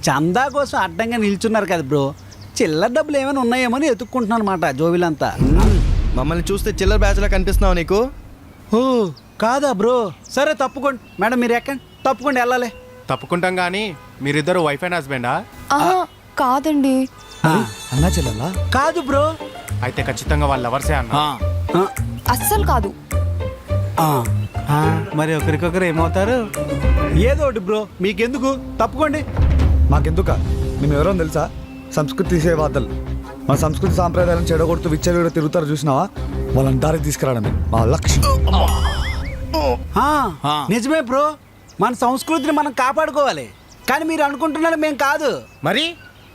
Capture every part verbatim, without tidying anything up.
చందా కోసం అడ్డంగా నిల్చున్నారు కదా బ్రో, చిల్లర డబ్బులు ఏమైనా ఉన్నాయేమో అని ఎత్తుక్కుంటున్నాను అనమాట జోబీలంతా. మమ్మల్ని చూస్తే చిల్లర బ్యాచ్లా కనిపిస్తున్నావు నీకు? ఓ కాదా బ్రో, సరే తప్పుకోండి మేడం, మీరు ఎక్కండి, తప్పుకోండి వెళ్ళాలి. తప్పుకుంటాం కానీ మీరిద్దరు వైఫ్ అండ్ హస్బెండా? ఆహా, కాదండి. అన్నా చెల్లెల్లా? కాదు బ్రో. అయితే ఖచ్చితంగా వాళ్ళ లవర్సే అన్న. ఆ, అస్సలు కాదు. ఆ, ఆ, మరి ఒకరికొకరు ఏమవుతారు? ఏదో ఒకటి బ్రో, మీకెందుకు, తప్పుకోండి. మాకెందుక? మేము ఎవరో తెలుసా? సంస్కృతి సేవాదలు. మన సంస్కృతి సాంప్రదాయాలను చెడగొడుతూ విచ్చలు తిరుగుతారు చూసినావా? వాళ్ళని దారికి తీసుకురావడమే మా లక్ష్యం. ఆ, నిజమే బ్రో, మన సంస్కృతిని మనం కాపాడుకోవాలి. కానీ మీరు అనుకుంటున్నారు మేము కాదు. మరి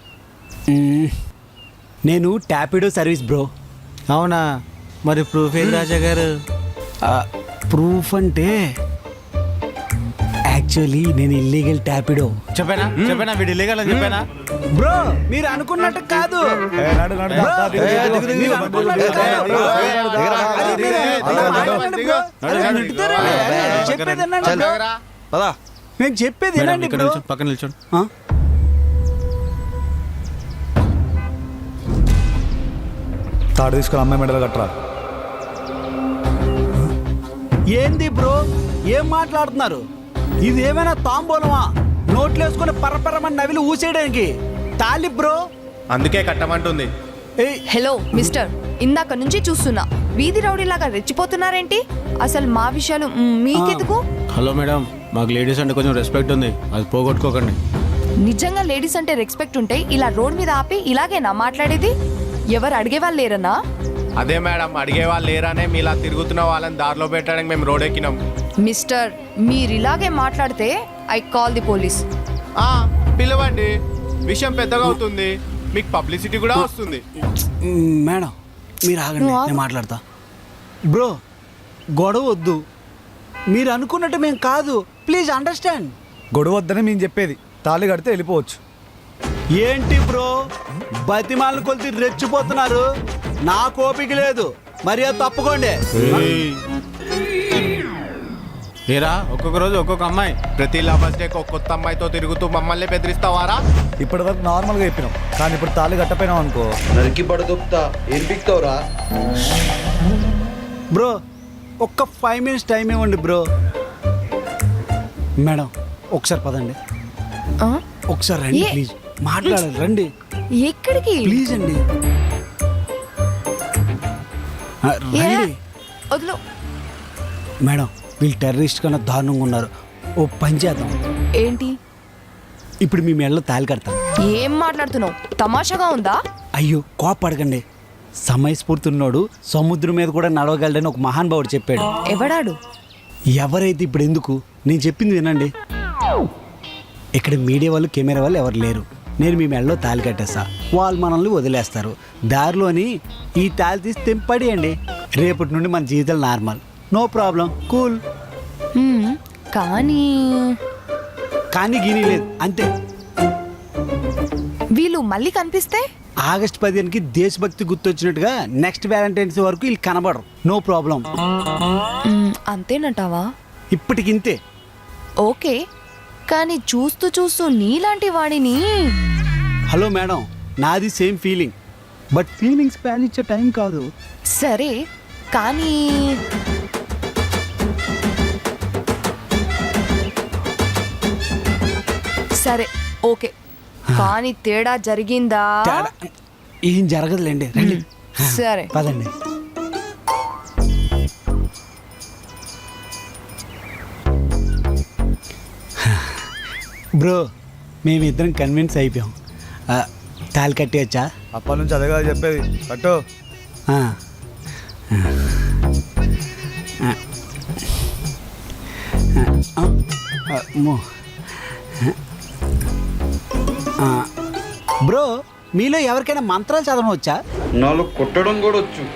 నేను టాపిడో సర్వీస్ బ్రో. అవునా? మరి ప్రూఫ్ ఏది రాజా గారు? ప్రూఫ్ అంటే యాక్చువల్లీ నేను ఇల్లీగల్ టాపిడో. చెప్పానా చెప్పానా వీడు ఇల్లీగల్ అని చెప్పానా? బ్రో మీరు అనుకున్నట్టు కాదు. ఏ, నడు, నడు, బ్రో, దా, దిగు, దిగు, దిగు, దిగు, మీరు దిగు, అనుకున్నట్టు దిగు, కాదు, బ్రో. దిగు, అది మీరు- దిగు, అలా దిగు, మాట్లాడండి బ్రో. అరే, దిగు, నెట్టుతారండి. అరే, చెప్పేది వినండి బ్రో. పదా నేను చెప్పేది మేడం, వినండి ఇక్కడ బ్రో. నిల్చోండి, పక్కన నిల్చోండి. ఆ? తాడు తీసుకొని అమ్మాయి మెడలు కట్టరా. ఏంది బ్రో, ఏం మాట్లాడుతున్నారు? ఇది ఏమైనా తాంబూలమా? నోట్లు వేసుకుని పరపరమని నవిలి ఊసేయడానికి తాలి బ్రో. అందుకే కట్టమంటుంది. ఏయ్, హలో మిస్టర్, ఇందాక నుంచి చూస్తున్నా వీధి రౌడీలాగా రెచ్చిపోతున్నారేంటి? అసలు మా విషయాలు మ్, మీకెందుకు? హలో మేడం, మాకు లేడీస్ అంటే కొంచెం రెస్పెక్ట్ ఉంది, అది పోగొట్టుకోకండి. నిజంగా లేడీస్ అంటే రెస్పెక్ట్ ఉంటే ఇలా రోడ్ మీద ఆపి ఇలాగేనా మాట్లాడేది? ఎవరు అడిగే వాళ్ళు లేరన్నా? అదే మేడం, అడిగే వాళ్ళు లేరానే మీలా తిరుగుతున్న వాళ్ళని దారిలో పెట్టడానికి మేము రోడ్ ఎక్కినాం. మిస్టర్, మీరు ఇలాగే మాట్లాడితే ఐ కాల్ ది పోలీస్. ఆ, పిలవండి, విషయం పెద్దగా అవుతుంది, మీకు పబ్లిసిటీ కూడా వస్తుంది. మ్, మేడం మీరు ఆగండి, నువ్వు ఆగు. నేను మాట్లాడతా. బ్రో గొడవ వద్దు, మీరు అనుకున్నట్టు మేము కాదు, ప్లీజ్ అండర్స్టాండ్. గొడవ వద్దని మేము చెప్పేది. తాళి కడితే వెళ్ళిపోవచ్చు. ఏంటి బ్రో బతిమాలను కొలిసి రెచ్చిపోతున్నారు? నా కోపిక లేదు, మరి అది తప్పుకోండి. ఏరా, ఒక్కొక్క రోజు ఒక్కొక్క అమ్మాయి. ప్రతి లవర్స్ డే ఒక కొత్త అమ్మాయితో తిరుగుతూ మమ్మల్ని బెదిరిస్తావారా? ఇప్పటి వరకు నార్మల్గా చెప్పినాం, కానీ ఇప్పుడు తాళి కట్టపోయినాం అనుకో, నరికి పడదొక్తా. ఏం పిక్తావురా? బ్రో ఒక్క ఫైవ్ మినిట్స్ టైం ఇవ్వండి బ్రో. మేడం ఒకసారి పదండి, ఆ? ఒకసారి రండి ఏ? ప్లీజ్, మాట్లాడాలి రండి ఎక్కడికి? ప్లీజ్ అండి. ఆ, ఏ? రండి వదిలో. మేడం, వీళ్ళు టెర్రరిస్ట్ కన్నా దారుణంగా ఉన్నారు. ఓ పని చేద్దాం, ఏంటి? ఇప్పుడు మీ మెడలో తాళి కడతాం. ఏం మాట్లాడుతున్నావు? తమాషాగా ఉందా? అయ్యో కోపడకండి, సమయస్ఫూర్తిన్నోడు సముద్రం మీద కూడా నడవగలడని ఒక మహానుభావుడు చెప్పాడు. ఎవడాడు? ఎవరైతే ఇప్పుడు ఎందుకు, నేను చెప్పింది వినండి. ఇక్కడ మీడియా వాళ్ళు కెమెరా వాళ్ళు ఎవరు లేరు, నేను మీ మెడలో తాళి కట్టేస్తా, వాళ్ళు మనల్ని వదిలేస్తారు. దారిలోని ఈ తాళి తీసి తెంపడేయండి, రేపటి నుండి మన జీవితాలు నార్మల్, నో ప్రాబ్లం, కూల్. హ్మ్, కానీ కానీ గీనీ లేదు అంతే. వీళ్ళు మళ్ళీ కనిపిస్తే? ఆగస్ట్ పదిహేనుకి దేశభక్తి గుర్తొచ్చినట్టుగా నెక్స్ట్ వ్యాలంటైన్స్ వరకు వీళ్ళు కనబడరు, నో ప్రాబ్లం. మ్, అంతేనంటావా? ఇప్పటికింతే. ఓకే, కానీ చూస్తూ చూస్తూ నీలాంటి వాడిని. హలో మేడం, నాది సేమ్ ఫీలింగ్, బట్ ఫీలింగ్స్ ప్యాన్ ఇచ్చే టైం కాదు. సరే కానీ సరే ఓకే, కానీ తేడా జరిగిందా? తేడా ఏం జరగదులేండి, రండి. సరే పదండి. బ్రో మేమిద్దరం కన్విన్స్ అయిపోయాం, ఆ, తాళి కట్టేయచ్చా? అప్పటి నుంచి అదే కదా చెప్పేది, కట్టు. ఆ. ఆ. ఆ. అమ్మో. ఆ. బ్రో మీలో ఎవరికైనా మంత్రాలు చదవడం వచ్చా? నాలో కొట్టడం కూడా వచ్చు.